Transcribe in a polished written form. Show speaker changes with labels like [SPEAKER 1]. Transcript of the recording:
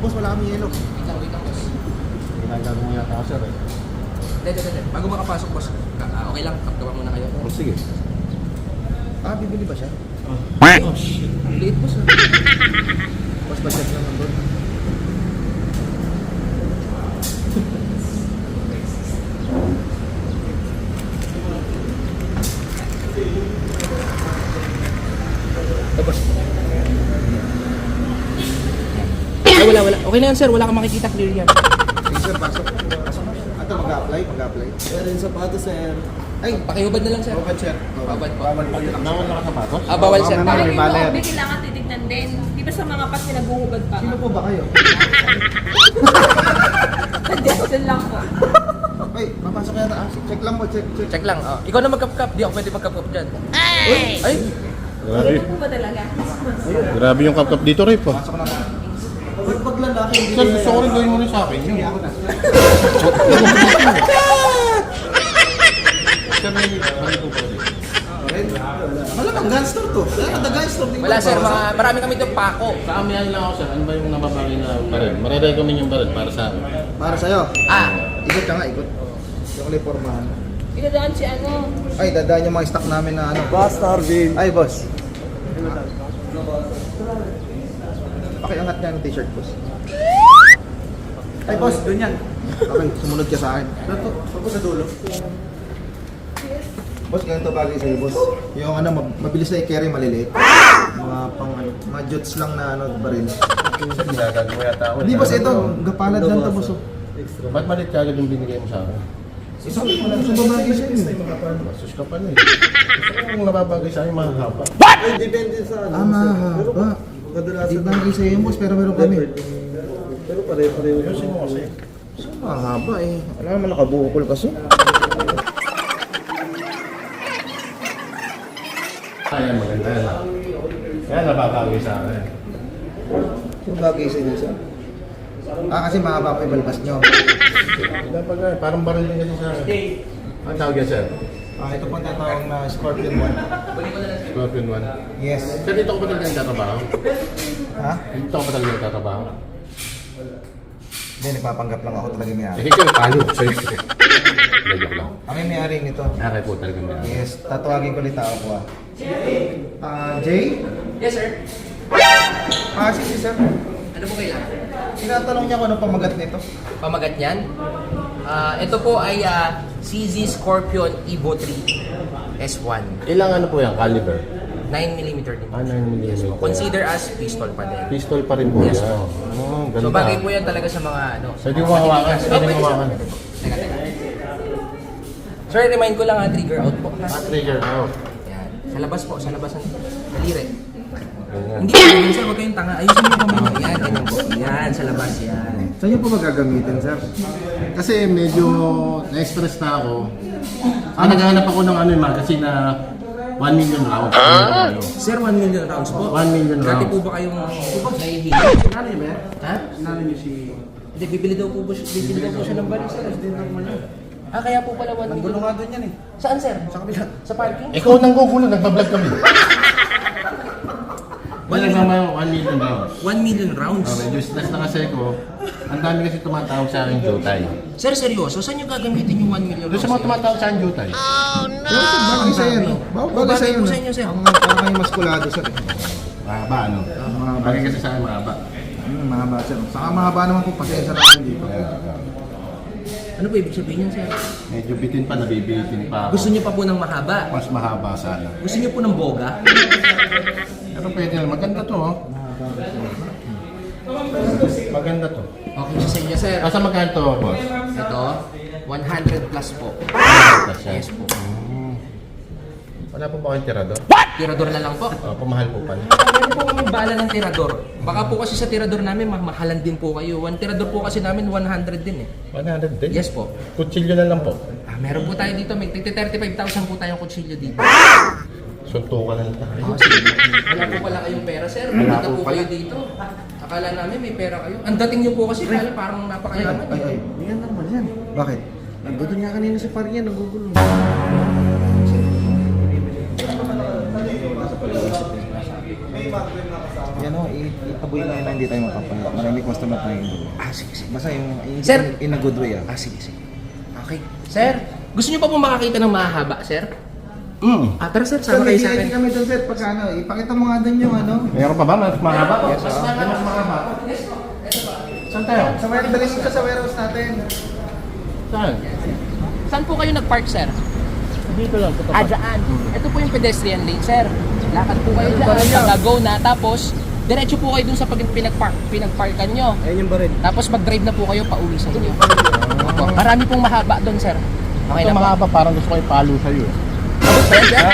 [SPEAKER 1] Boss, wala kami yelo.
[SPEAKER 2] Wait lang, boss.
[SPEAKER 3] Ginagawa mo yata ako, sir.
[SPEAKER 2] Hindi. Bago makapasok, boss, okay lang, kapkapan muna kayo.
[SPEAKER 3] Oh, sige.
[SPEAKER 1] Ah, bibili ba siya?
[SPEAKER 3] Oh, shit.
[SPEAKER 2] Liit, boss.
[SPEAKER 1] Boss, budget lang ang doon.
[SPEAKER 2] Boss. Ay, wala. Okay na yan, sir. Wala kang makikita. Clear yan.
[SPEAKER 1] Sige sir, pasok. Pasok na. Ato, mag-a-apply.
[SPEAKER 4] Sir, yung sapatos, sir.
[SPEAKER 1] Ay,
[SPEAKER 2] Pakihubad na lang, sir.
[SPEAKER 1] Robert sir.
[SPEAKER 2] Babad po.
[SPEAKER 3] Bawal na kasapatos?
[SPEAKER 2] Bawal, sir.
[SPEAKER 1] Bawal na.
[SPEAKER 5] Parang
[SPEAKER 1] May
[SPEAKER 5] yung
[SPEAKER 1] baler.
[SPEAKER 5] OB kailangan titignan din. Di ba sa mga pas pinaguhubad pa?
[SPEAKER 1] Sino po ba kayo?
[SPEAKER 5] Suggestion lang po.
[SPEAKER 1] Ay, papasok yata. Ah, check lang po, check.
[SPEAKER 2] Check lang. Oh. Ikaw na magkap-kap. Di ako pwede magkap-kap dyan. Ay!
[SPEAKER 3] Grabe.
[SPEAKER 5] Ganun po ba talaga?
[SPEAKER 3] Grabe yung kapkap dito, Rip. Ah.
[SPEAKER 1] Pasok na po.
[SPEAKER 4] Pag lalaki, hindi
[SPEAKER 3] Sir, gusto ko rin gawin mo rin sa akin.
[SPEAKER 1] Hindi ako na.
[SPEAKER 3] Sir, may mali po pwede.
[SPEAKER 1] Malamang gangster to. Kaya gangster.
[SPEAKER 2] Wala, sir. Marami kami itong pako.
[SPEAKER 3] Sa amin lang ako, sir. Ano ba yung nababagay na baril? Marirecommend yung baril para sa akin.
[SPEAKER 1] Para sa'yo.
[SPEAKER 2] Ah!
[SPEAKER 1] Ikot ka nga, ikot. Yung kulay pormahan.
[SPEAKER 5] Inadaan si ano?
[SPEAKER 1] Ay, dadaan yung mga stock namin na ano.
[SPEAKER 4] Boss, Arvin.
[SPEAKER 1] Ay, boss. Pakiangat niya ng t-shirt, boss. Ay, boss, doon yan. Okay, sumunod ka sa akin.
[SPEAKER 4] Tapos sa dulo.
[SPEAKER 1] Boss, ganito bagay sa'yo, boss. Yung ano, mabilis na i-carry, maliliit. Mga pang ano, mga jots lang na ano, baril.
[SPEAKER 3] Sir, ginagawa mo yata ako.
[SPEAKER 1] Hindi, boss, ito. Gapalad lang to, boss. Oh.
[SPEAKER 4] Extra.
[SPEAKER 3] Ba't malit ka agad yung binigay mo sa akin?
[SPEAKER 1] Isang babagay sa'yo.
[SPEAKER 3] Masus ka pa na eh. Gusto ko yung nababagay sa akin mahahaba.
[SPEAKER 4] Ay, depende sa ano.
[SPEAKER 1] Ah, mahaba.
[SPEAKER 4] Kadalasan.
[SPEAKER 1] Di bagay sa'yo, boss, pero meron kami.
[SPEAKER 4] Pero pare-pareho.
[SPEAKER 3] Ayusin mo kasi.
[SPEAKER 1] So, mahaba eh. Wala naman nakabukol kasi.
[SPEAKER 3] Ayan, maganda yan. Yan, nababagay sa akin.
[SPEAKER 1] Yung bagay sa'yo, sir. Ah, kasi mahaba pa yung balbas nyo.
[SPEAKER 3] Dapat nga, parang baril din kasi sa akin. Ang tawag yan, sir?
[SPEAKER 1] Ah, ito po ang tatawag na Scorpion 1.
[SPEAKER 3] Scorpion 1.
[SPEAKER 1] Yes.
[SPEAKER 3] Sir, dito ko ba talaga nagtatrabaho?
[SPEAKER 1] Ha?
[SPEAKER 3] Dito ko ba talaga nagtatrabaho?
[SPEAKER 1] Hindi, nagpapanggap lang ako talaga may-ari.
[SPEAKER 3] Eh, ikaw, paano? Sa'yo. Joke lang.
[SPEAKER 1] Kami may-ari nito.
[SPEAKER 3] Nakay po talaga meron.
[SPEAKER 1] Yes, tatawagin ko ulit tao ko ah. Jay?
[SPEAKER 2] Yes, sir.
[SPEAKER 1] Si sir.
[SPEAKER 2] Ano po kailangan?
[SPEAKER 1] Tinatanong niya kung ano pamagat nito.
[SPEAKER 2] Pamagat niyan? Ito po ay CZ Scorpion Evo 3 S1.
[SPEAKER 3] Ilang ano po yan? Caliber?
[SPEAKER 2] 9mm din.
[SPEAKER 3] 9mm.
[SPEAKER 2] Yes po. Consider as pistol pa din.
[SPEAKER 3] Pistol pa rin po
[SPEAKER 2] Yes,
[SPEAKER 3] yan.
[SPEAKER 2] po.
[SPEAKER 3] Oh, ganda.
[SPEAKER 2] So bagay po yan talaga sa mga ano.
[SPEAKER 3] Pwede mo hawakan. Pwede mo hawakan.
[SPEAKER 2] Teka. Sir, remind ko lang trigger out po.
[SPEAKER 3] Trigger out.
[SPEAKER 2] Yan. Sa labas po, sa labas ng daliri.
[SPEAKER 3] Ganyan.
[SPEAKER 2] Hindi po yun, sir. Huwag kayong tanga. Ayusin mo kamay niyo. Yan, ganyan po. Yan, sa labas yan.
[SPEAKER 1] Saan niyo po magagamitin, sir?
[SPEAKER 3] Kasi medyo na-express na ako. Naghahanap ako ng ano yung magazine na 1 million rounds.
[SPEAKER 2] Sir, 1 million rounds po.
[SPEAKER 3] 1 million
[SPEAKER 2] Dati po
[SPEAKER 3] rounds.
[SPEAKER 2] ba kayong nahihili?
[SPEAKER 4] Ano yun, ba?
[SPEAKER 2] Ha?
[SPEAKER 4] Ano niyo si...
[SPEAKER 2] Hindi, bibili daw po siya ng balik, sir. Kaya po pala 1
[SPEAKER 4] Gulo
[SPEAKER 2] million.
[SPEAKER 4] nga doon yan eh.
[SPEAKER 2] Saan, sir?
[SPEAKER 1] Sa kabila.
[SPEAKER 2] Sa parking?
[SPEAKER 3] Ikaw nang gugulo, nagbablog kami. Wala naman 1 million rounds.
[SPEAKER 2] 1 million rounds.
[SPEAKER 3] Medyo stress na kasi ko. Ang dami kasi tumatawag sa akin Jotay.
[SPEAKER 2] Sir, seryoso? Saan nyo gagamitin yung 1 million
[SPEAKER 3] Doon
[SPEAKER 2] rounds?
[SPEAKER 3] sa mga tumatawag sa akin Jotay.
[SPEAKER 1] Pero sir, bagay sa'yo, no? Bagay sa'yo,
[SPEAKER 2] po
[SPEAKER 1] no?
[SPEAKER 2] sa inyo, sir.
[SPEAKER 1] Parang kayo maskulado, sir.
[SPEAKER 3] Mahaba ano? Bagay kasi sa akin mahaba.
[SPEAKER 1] Mahaba, sir. Saka mahaba naman po, pasensya namin dito.
[SPEAKER 2] Ano po ibig sabihin yan, sir?
[SPEAKER 3] Medyo bitin pa, nabibitin pa ako.
[SPEAKER 2] Gusto nyo pa po ng mahaba?
[SPEAKER 3] Mas mahaba sana.
[SPEAKER 2] Gusto nyo po ng boga?
[SPEAKER 3] Pero pwede na. Maganda to, oh. Maganda to.
[SPEAKER 2] Okay sa inyo, sir.
[SPEAKER 3] Asa magkano to, boss?
[SPEAKER 2] Ito, 100 plus po. Yes po.
[SPEAKER 3] Wala po ba kayong tirador?
[SPEAKER 2] Tirador na lang po.
[SPEAKER 3] Pamahal po pala.
[SPEAKER 2] Meron po kami bala ng tirador. Baka po kasi sa tirador namin, mahalan din po kayo. One tirador po kasi namin, 100 din eh.
[SPEAKER 3] 100 din?
[SPEAKER 2] Yes po.
[SPEAKER 3] Kutsilyo na lang po.
[SPEAKER 2] Meron po tayo dito, may 35,000 po tayong kutsilyo dito.
[SPEAKER 3] Suntukan na lang tayo.
[SPEAKER 2] Sige. Wala po pala kayong pera, sir.
[SPEAKER 3] Wala
[SPEAKER 2] Punta
[SPEAKER 3] po
[SPEAKER 2] po kayo dito. Akala namin may pera kayo. Ang dating nyo po kasi, kala parang napakayaman.
[SPEAKER 1] Ay.
[SPEAKER 4] Yan naman yan.
[SPEAKER 1] Bakit?
[SPEAKER 4] Nandun nga kanina si Parian, nagugulo.
[SPEAKER 1] Yan o, tabuin mo yun na hindi tayo mapapala. Maraming customer tayo yun.
[SPEAKER 2] Sige, sige.
[SPEAKER 1] Basta yung
[SPEAKER 2] Sir.
[SPEAKER 1] in a good way
[SPEAKER 2] Sige, sige. Okay. Sir, gusto niyo pa po makakita ng mahaba, sir? Tara sir, sama kayo sa akin.
[SPEAKER 1] kami doon sir, pagka ano, ipakita mo nga doon yung ano.
[SPEAKER 3] Meron pa ba? Mas mahaba?
[SPEAKER 1] Yes,
[SPEAKER 3] Mas mahaba. Saan tayo?
[SPEAKER 1] Sa warehouse, dalis ka sa warehouse natin.
[SPEAKER 3] Saan?
[SPEAKER 2] Saan po kayo nag-park, sir?
[SPEAKER 3] Dito lang.
[SPEAKER 2] Dyan. Ito po yung pedestrian lane, sir. Lakad po kayo dyan, pag-go na, tapos diretso po kayo dun sa pinagparkan nyo.
[SPEAKER 4] Ayun yung baril.
[SPEAKER 2] Tapos mag-drive na po kayo pauwi sa inyo. Opo. Marami pong mahaba doon, sir. Okay
[SPEAKER 3] Ito
[SPEAKER 2] na po.
[SPEAKER 3] mahaba, parang gusto ko ipalo sa'yo.
[SPEAKER 2] Abot ba yan, sir?